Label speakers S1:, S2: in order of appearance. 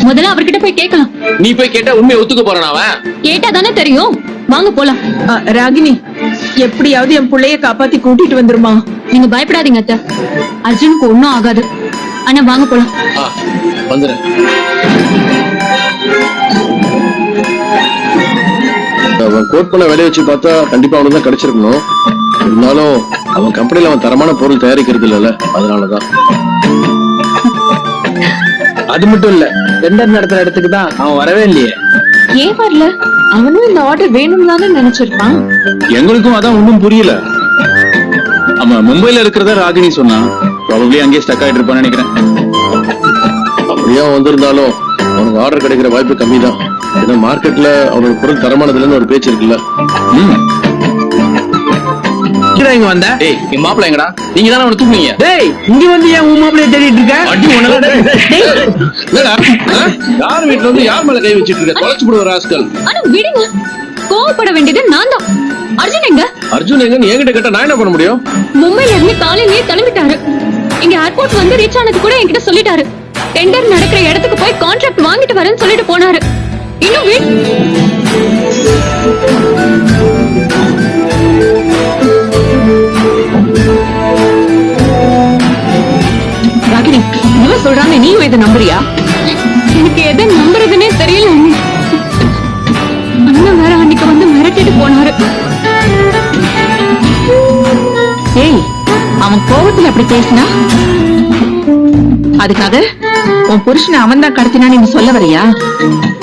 S1: முதல்ல அவர்கிட்ட போய் கேட்கலாம்.
S2: நீ போய் கேட்டா உண்மையை ஒத்துக்க போறான் அவன்.
S1: கேட்டா தானே தெரியும். வாங்க போலாம்.
S3: ராகினி, எப்படியாவது என் பிள்ளைய காப்பாத்தி கூட்டிட்டு வந்துருமா.
S1: நீங்க பயப்படாதீங்க அத்தை, அர்ஜுனுக்கு ஒண்ணும் ஆகாது. ஆனா வாங்க போலாம்.
S2: வந்துடுறேன்.
S4: அவன் கோட் பண்ண வேலையை வச்சு பார்த்தா கண்டிப்பா அவனுக்கு தான் கிடைச்சிருக்கணும். இருந்தாலும் அவன் கம்பெனில அவன் தரமான பொருள் தயாரிக்கிறது இல்ல, அதனாலதான்.
S5: அது மட்டும் இல்ல, டெண்டர் நடத்துற இடத்துக்கு தான் அவன் வரவே இல்லையே.
S3: ஏன் வரல? அவனும் இந்த ஆர்டர் வேணும் தானே நினைச்சிருப்பான்.
S5: எங்களுக்கும் அதான் ஒண்ணும் புரியல. அவன் மும்பைல இருக்கிறதா ராகினி சொன்னா. ப்ராபபிலி அங்கேயே ஸ்டக் ஆயிட்டு இருப்பான்னு நினைக்கிறேன்.
S4: அப்படியே அவன் வந்திருந்தாலும் அவனுக்கு ஆர்டர் கிடைக்கிற வாய்ப்பு கம்மி தான். ஏன்னா மார்க்கெட்ல அவனோட பொருள் தரமானதுலன்னு ஒரு பேச்சு இருக்குல்ல.
S5: இங்க வந்த
S2: என் மாப்பிள்ள எங்கடா? நீங்க தானே அவனை தூக்குனீங்க.
S5: டேய், இங்க வந்து ஏன் உன் மாப்பிளைய தேடிட்டு இருக்க?
S2: அடி யார் வீட்டுல வந்து யார் மேல கை வச்சிட்டு இருக்க? தொலைச்சு போடுற ராஸ்கல்.
S1: ஆனா விடுங்க, கோவப்பட வேண்டியது நான் தான். அர்ஜுன் எங்க?
S4: அர்ஜுன் எங்கன்னு என்கிட்ட கேட்டா நான் என்ன பண்ண முடியும்?
S1: மும்பைல இருந்து காலையிலேயே கிளம்பிட்டாரு. இங்க ஏர்போர்ட் வந்து ரீச் ஆனது கூட என்கிட்ட சொல்லிட்டாரு. டெண்டர் நடக்கிற இடத்துக்கு போய் கான்ட்ராக்ட் வாங்கிட்டு வரேன்னு சொல்லிட்டு போனாரு. இன்னும்
S3: ராகினி, இவன் சொல்றாங்க, நீயும் இதை நம்புறியா?
S1: எனக்கு எதை நம்புறதுன்னே தெரியல. அண்ணன் வேற அன்னைக்கு வந்து மிரட்டிட்டு போனாரு.
S3: ஏய், அவன் கோபத்துல அப்படி பேசினா அதுக்காக உன் புருஷனை அவன் தான் கடத்தினான்னு நீ சொல்ல வரியா?